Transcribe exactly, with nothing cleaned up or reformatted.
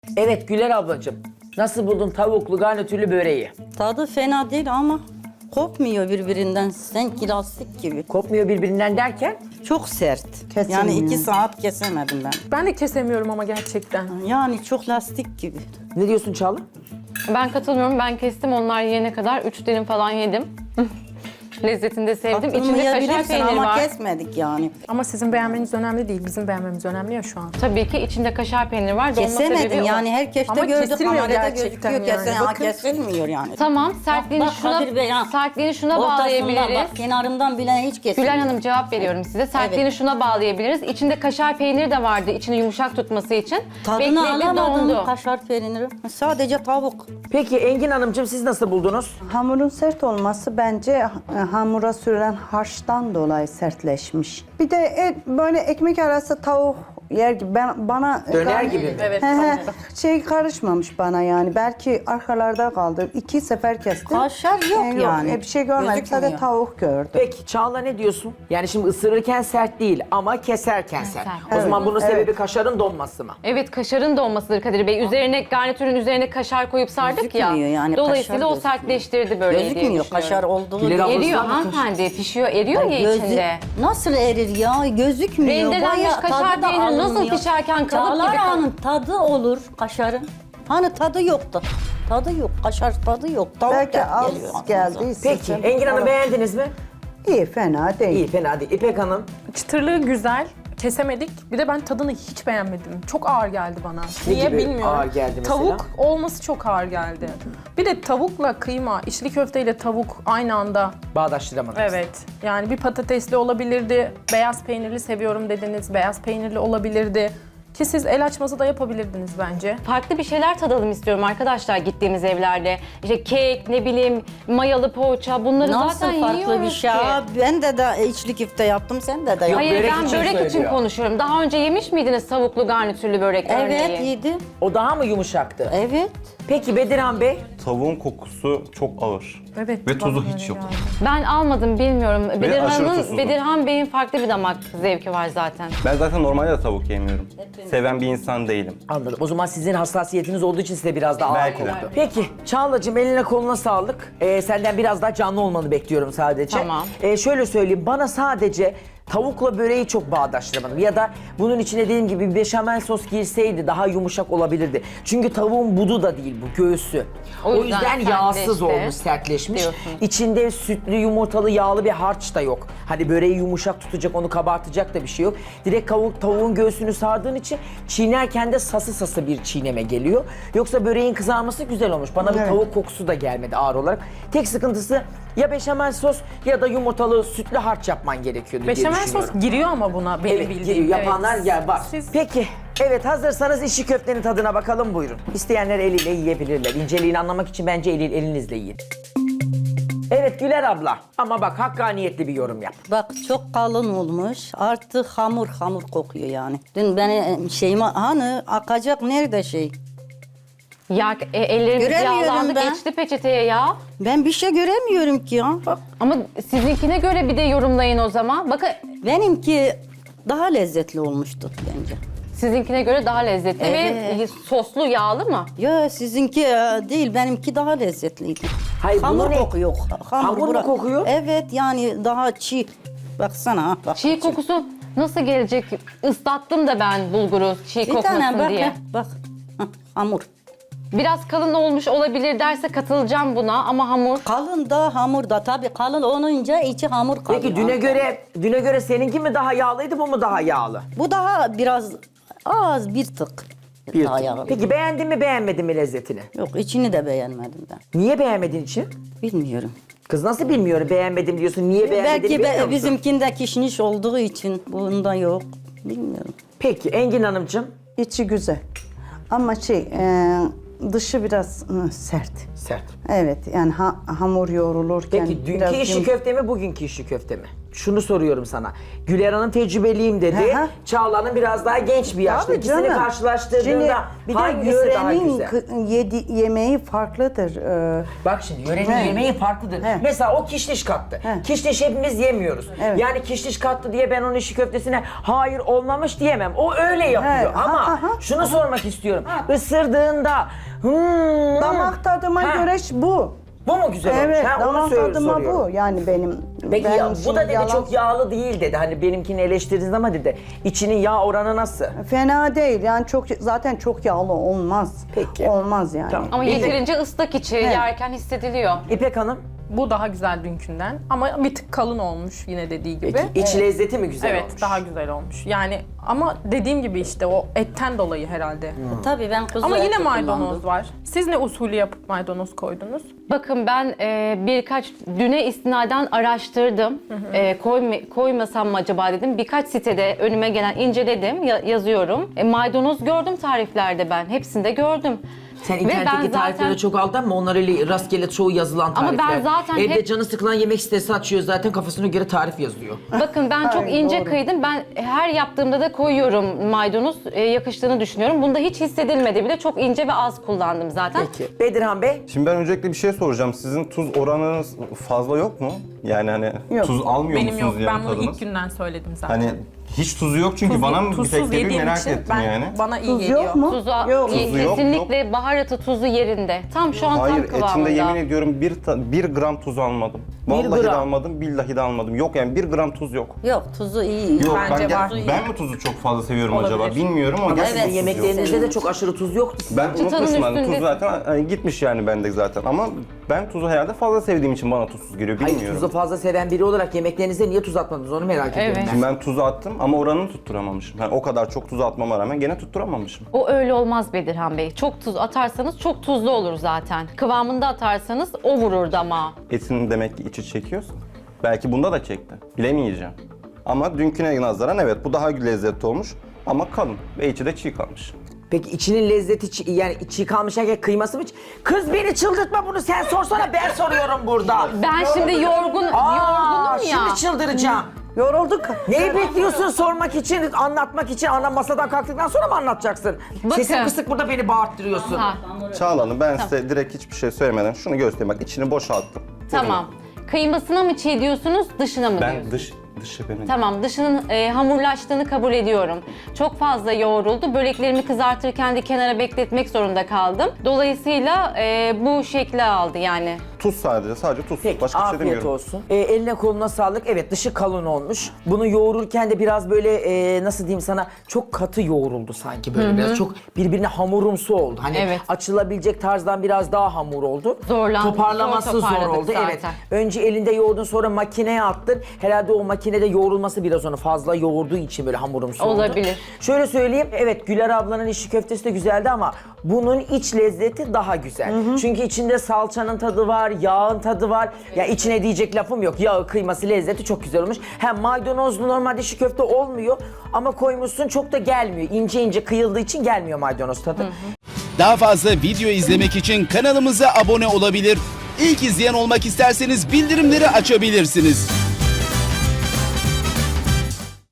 Evet Güler ablacığım. Nasıl buldun tavuklu garnitürlü böreği? Tadı fena değil ama kopmuyor birbirinden. Sanki lastik gibi. Kopmuyor birbirinden derken? Çok sert. Kesilmiyor. Yani iki saat kesemedim ben. Ben de kesemiyorum ama gerçekten. Yani çok lastik gibi. Ne diyorsun Çağla? Ben katılmıyorum. Ben kestim onlar yiyene kadar. Üç dilim falan yedim. Lezzetini de sevdim. İçinde kaşar Katılmayabilirsin peyniri ama var. kesmedik yani. Ama sizin beğenmeniz önemli değil. Bizim beğenmemiz önemli ya şu an. Tabii ki içinde kaşar peyniri var. Dolma sebebi Kesemedim o. yani herkes de Ama gördü kesilmiyor kamerada gerçekten gözüküyor yani. kesen ama Bakın. kesilmiyor yani. Tamam, sertliğini Bak şuna, Kadir Bey, ha. sertliğini şuna Ortasından bağlayabiliriz. bak kenarından bile hiç kesilmiyor. Gülay Hanım cevap veriyorum size. Sertliğini Evet. şuna bağlayabiliriz. İçinde kaşar peyniri de vardı. İçini yumuşak tutması için. Tadını Bekledi, alamadım dondu. kaşar peyniri. Sadece tavuk. Peki Engin Hanımcığım siz nasıl buldunuz? Hamurun sert olması bence e, hamura sürülen harçtan dolayı sertleşmiş. Bir de et, böyle ekmek arası tavuk yer gibi ben bana Döner gibi mi? Evet. He he, tavukta. şey karışmamış bana yani. Belki arkalarda kaldı. İki sefer kestim. Kaşar yok E, yani. e, bir şey görmedim. Gözükmüyor. Sadece tavuk gördüm. Peki Çağla ne diyorsun? Yani şimdi ısırırken sert değil ama keserken sert. Keser. O zaman Evet, bunun evet. sebebi kaşarın donması mı? Evet, kaşarın dolmasıdır Kadir Bey. Üzerine garnitürün üzerine kaşar koyup sardık ya. Gözükmüyor yani, Dolayısıyla kaşar o sertleştirdi böreği diye Gözükmüyor düşünüyorum. kaşar olduğu Güler gibi. abla- Eriyor Ablasına bakın. hanımefendi. Pişiyor, eriyor ya Gözü- içinde. Nasıl erir ya? Gözükmüyor. Rendelenmiş Bayağı kaşar tadı da peyniri nasıl alınmıyor. pişerken kalıp Çağlar gibi kal- Hanım tadı olur kaşarın. Hani tadı yoktu. Tadı yok. Kaşar tadı yok. Tavuk Belki da az geliyor aklınıza. geldi. Peki Engin Hanım beğendiniz mi? İyi fena değil. İyi fena değil. İpek Hanım Çıtırlığı güzel. Kesemedik. Bir de ben tadını hiç beğenmedim. Çok ağır geldi bana. Ne Niye gibi bilmiyorum. ağır geldi mesela? Tavuk olması çok ağır geldi. Bir de tavukla kıyma, içli köfteyle tavuk aynı anda. bağdaştıramadınız. Evet. Yani bir patatesli olabilirdi. Beyaz peynirli seviyorum dediniz. Beyaz peynirli olabilirdi. Ki siz el açması da yapabilirdiniz bence. Farklı bir şeyler tadalım istiyorum arkadaşlar gittiğimiz evlerde. İşte kek, ne bileyim, mayalı poğaça bunları Nasıl zaten farklı yiyoruz bir şey? ki. Aa, ben de de içli köfte yaptım. Sen de de yaptın. Hayır börek ben için börek için söylüyor. konuşuyorum. Daha önce yemiş miydiniz tavuklu garnitürlü börek Evet örneği? yedim. O daha mı yumuşaktı? Evet. Peki Bedirhan Bey? Tavuğun kokusu çok ağır. Evet. Ve tuzu bana hiç öyle yok. geldi. Ben almadım bilmiyorum. aşırı Bedirhan'ın, tuzsuz. Bedirhan Bey'in farklı bir damak zevki var zaten. Ben zaten normalde de tavuk yemiyorum. Seven bir insan değilim. Anladım. O zaman sizin hassasiyetiniz olduğu için size biraz daha ağır Belki de. koktu. Peki Çağla'cığım eline koluna sağlık. Ee, senden biraz daha canlı olmanı bekliyorum sadece. Tamam. Ee, şöyle söyleyeyim bana sadece tavukla böreği çok bağdaştıramadım. Ya da bunun içine dediğim gibi bir beşamel sos girseydi daha yumuşak olabilirdi. Çünkü tavuğun budu da değil bu göğsü. O O yüzden, yüzden yağsız sertleşti. olmuş, sertleşmiş. Diyorsun. İçinde sütlü, yumurtalı, yağlı bir harç da yok. Hani böreği yumuşak tutacak, onu kabartacak da bir şey yok. Direkt tavuk, tavuğun göğsünü sardığın için çiğnerken de sası sası bir çiğneme geliyor. Yoksa böreğin kızarması güzel olmuş. Bana bir Evet. tavuk kokusu da gelmedi ağır olarak. Tek sıkıntısı ya beşamel sos ya da yumurtalı sütlü harç yapman gerekiyordu diye Beşamel düşünüyorum. sos giriyor ama buna benim Evet, bildiğim. giriyor. Yapanlar Evet. ya var. Siz Peki, evet hazırsanız içli köftenin tadına bakalım buyurun. İsteyenler eliyle yiyebilirler. İnceliğini anlamak için bence eli, elinizle yiyin. Evet Güler abla ama bak hakkaniyetli bir yorum yap. Bak çok kalın olmuş. Artık hamur hamur kokuyor yani. Dün beni şeyime hani akacak nerede şey? Ya e, ellerimiz Göremiyorum yağlandı ben. geçti peçeteye ya. Ben bir şey göremiyorum ki ya. Bak Ama sizinkine göre bir de yorumlayın o zaman. Bakın benimki daha lezzetli olmuştu bence. sizinkine göre daha lezzetli Evet. ve soslu yağlı mı? Ya sizinki e, değil benimki daha lezzetliydi. Hayır, Hamur bunu ne- kokuyor. Hamur, Hamur mu bura- kokuyor? Evet yani daha çiğ. Baksana ha. Bak. Çiğ kokusu nasıl gelecek? Islattım da ben bulguru çiğ Bir kokmasın tane bak. diye. ha, Bak. Hah, hamur. Biraz kalın olmuş olabilir derse katılacağım buna ama hamur. Kalın da hamur da tabii kalın olunca içi hamur kalıyor. Peki düne Ha. göre düne göre seninki mi daha yağlıydı bu mu daha yağlı? Bu daha biraz az bir tık. Bir daha tık. yağlı. Peki beğendin mi beğenmedin mi lezzetini? Yok içini de beğenmedim ben. Niye beğenmedin için? Bilmiyorum. Kız nasıl bilmiyorum beğenmedim diyorsun. Niye beğenmediğini Belki bilmiyor be, musun? bizimkinde kişniş olduğu için bunda yok. Bilmiyorum. Peki Engin Hanımcığım. İçi güzel. Ama şey e, dışı biraz ı, sert. Sert. Evet yani ha- hamur yoğrulurken Peki dünkü biraz işi yum- köfte mi, bugünkü işi köfte mi? Şunu soruyorum sana. Güler Hanım tecrübeliyim dedi. Hı hı. Çağla'nın biraz daha genç bir yaşta. Tabii İkisini canım. karşılaştırdığında Şimdi bir de hangisi daha yörenin güzel? kı- yedi, yemeği farklıdır. Ee, Bak şimdi yörenin He. yemeği farklıdır. He. Mesela o kişniş kattı. He. Kişniş hepimiz yemiyoruz. Evet. Yani kişniş kattı diye ben onun işi köftesine hayır olmamış diyemem. O öyle yapıyor. He. Ama Ha, ha, ha. şunu sormak istiyorum. Isırdığında hmm, damak tadıma Ha. göre ş- bu. bu mu güzel olmuş? Evet, Ha, onu damak sor- tadıma soruyorum. bu. Yani benim Peki ben ya, bu şimdi da dedi yalan- çok yağlı değil dedi. Hani benimkini eleştirdiniz ama dedi. İçinin yağ oranı nasıl? Fena değil. Yani çok zaten çok yağlı olmaz. Peki. Olmaz yani. Tamam. Ama İyi. yeterince ıslak içi yerken hissediliyor. İpek Hanım, Bu daha güzel dünkünden ama bir tık kalın olmuş yine dediği gibi. peki iç lezzeti mi güzel Evet, olmuş? daha güzel olmuş. Yani ama dediğim gibi işte o etten dolayı herhalde. Tabii ben kuzu Ama yine eti maydanoz kullandım. var. Siz ne usulü yapıp maydanoz koydunuz? Bakın ben e, birkaç düne istinaden araştırdım. E, koyma- koymasam mı acaba dedim. Birkaç sitede önüme gelen inceledim, ya- yazıyorum. E, maydanoz gördüm tariflerde ben. Hepsinde gördüm. Sen Ve internetteki ben zaten- tariflere çok aldın ama onlar öyle rastgele çoğu yazılan Ama ben tarifler. zaten Evde hep- canı sıkılan yemek sitesi açıyor zaten kafasına göre tarif yazıyor. Bakın ben çok Ay, ince doğru. kıydım. Ben her yaptığımda da koyuyorum maydanoz. E, yakıştığını düşünüyorum. Bunda hiç hissedilmedi bile. Çok ince ve az kullandım zaten. Peki. Bedirhan Bey, Şimdi ben öncelikle bir şey soracağım. Sizin tuz oranınız fazla yok mu? Yani hani Yok. tuz almıyor Benim yok. musunuz yani Ben bunu tadınız? ilk günden söyledim zaten. Hani hiç tuzu yok çünkü Tuz- bana mı bir tuzsuz tek geliyor yediğim merak için ettim ben, yani. bana iyi Tuz geliyor. yok mu? Tuzu, Yok. e, Tuzu yok, kesinlikle baharatı tuzu yerinde. Tam şu an Hayır tam kıvamında. etinde yemin ediyorum bir, ta- bir gram tuz almadım. Vallahi de gram. almadım, billahi de almadım. Yok yani bir gram tuz yok. Yok tuzu iyi. Yok Bence ben, gel- var. ben mi tuzu çok fazla seviyorum Olabilir. acaba bilmiyorum ama ama gerçekten sizin tuz yok. yemeklerinizde de çok aşırı tuz yoktu. Ben Çıtanın unutmuşum hani üstünde- tuz zaten hani gitmiş yani bende zaten ama ben tuzu herhalde fazla sevdiğim için bana tuzsuz geliyor Hayır, bilmiyorum. tuzu fazla seven biri olarak yemeklerinize niye tuz atmadınız onu merak ediyorum Evet. ben. Şimdi ben tuzu attım ama oranını tutturamamışım. Yani o kadar çok tuzu atmama rağmen gene tutturamamışım. O öyle olmaz Bedirhan Bey. Çok tuz atarsanız çok tuzlu olur zaten. Kıvamında atarsanız o vurur damağa. Etin demek ki içi çekiyorsa. Belki bunda da çekti. Bilemeyeceğim. Ama dünküne nazaran evet bu daha lezzetli olmuş ama kalın ve içi de çiğ kalmış. Peki içinin lezzeti çi- yani çiğ kalmış erkek kıyması mı? Kız beni çıldırtma bunu sen sorsana ben soruyorum burada. Ben şimdi yorgun, Aa, yorgunum ya. şimdi çıldıracağım. Yorulduk. Neyi bekliyorsun sormak için, anlatmak için? Ana masadan kalktıktan sonra mı anlatacaksın? Bakın. Sesin kısık burada beni bağırttırıyorsun. Ha, Çağla Hanım ben size direkt hiçbir şey söylemeden şunu göstereyim. Bak içini boşalttım. tamam. Kıymasına mı çiğ diyorsunuz, dışına mı Ben diyorsunuz? dış dışı benim. Tamam, dışının e, hamurlaştığını kabul ediyorum. Çok fazla yoğruldu. Böreklerimi kızartırken de kenara bekletmek zorunda kaldım. Dolayısıyla e, bu şekli aldı yani. Tuz sadece, sadece tuz. Peki Başka bir şey afiyet demiyorum. olsun. Ee, eline koluna sağlık. Evet dışı kalın olmuş. Bunu yoğururken de biraz böyle e, nasıl diyeyim sana çok katı yoğruldu sanki böyle biraz. Çok birbirine hamurumsu oldu. Hani Evet. açılabilecek tarzdan biraz daha hamur oldu. Zorlandı. Toparlaması Zor zor, toparladık oldu. zaten. Evet. Önce elinde yoğurdun sonra makineye attın. Herhalde o makinede yoğrulması biraz onu fazla yoğurduğu için böyle hamurumsu oldu. Olabilir. Şöyle söyleyeyim. Evet Güler ablanın işi köftesi de güzeldi ama bunun iç lezzeti daha güzel. Çünkü içinde salçanın tadı var, yağın tadı var. Ya içine diyecek lafım yok. Yağı, kıyması, lezzeti çok güzel olmuş. Hem maydanozlu normalde işi köfte olmuyor ama koymuşsun çok da gelmiyor. İnce ince kıyıldığı için gelmiyor maydanoz tadı. Daha fazla video izlemek için kanalımıza abone olabilir. İlk izleyen olmak isterseniz bildirimleri açabilirsiniz.